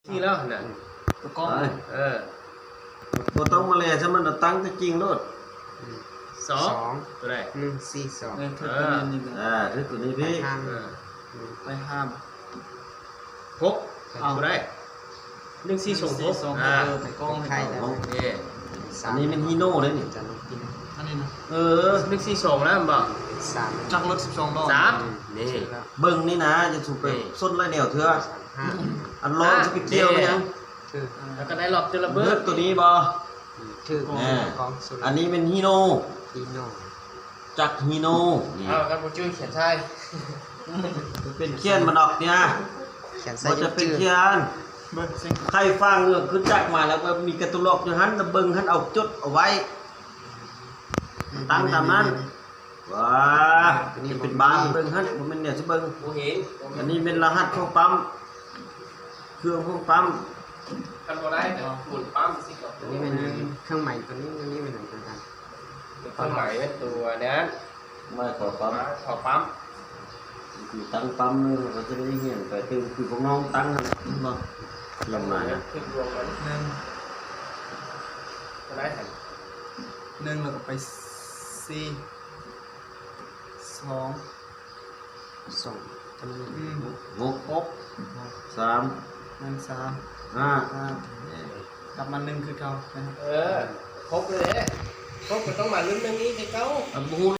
ที่แล้วน่ะตะกองบ่ต้องมาแลซะมันตั้งแต่จริงโลดสองตัวใด 142 คือตัวนี้พี่ไปห้ามหกตัวใด142 ไปกองไทยแล้วอันนี้เป็นฮีโน่เลยนี่จะลงกินอันนี้นะ142แล้วบ่ 3 จักรถ12ดอก 3นี่เบิ่งนี่นะจะถูกไปส้นไรแนวเถื่ออันร้อนจะไปเกี่ยวไปยังแล้วก็ได้รอบเจระเบิดตัวนี้บ่ถือกองอันนี้เป็นฮีโน่จักฮีโน่นี่กันบ่ชื่อเขียนใช่เป็นเขียนมันออกเนี่ยมันจะเป็นเขียนใครฟังเรื่องขึ้นจักมาแล้วก็มีกระตุลอกอยู่หันตะเบิงหันเอาจดเอาไว้ตั้งตามนั้นว้านี่เป็นบาร์เบิงหันมันเป็นเนี่ยสิเบิงอันนี้เป็นรหัสของปั๊มเครื่องของปั๊มกันบ่ได้แต่หมุนปั๊มสิก่อนนี่เป็นเครื่องใหม่ตัวนี้นี่เป็นอะไรกันเครื่องใหม่เป็นตัวนั้นไม่ขอปั๊มคือตั้งปั๊มเลยเราจะได้เห็นไปคือพวกน้องตั้งนะบ่ลงมานะรวมกันก็ได้หัน1แล้วก็ไป4 2 จำนวน 6 3 นั่น3 5 กลับมา1คือเก่าครบเลยครบก็ต้องมาลุ้นเรื่องนี้ให้เก่า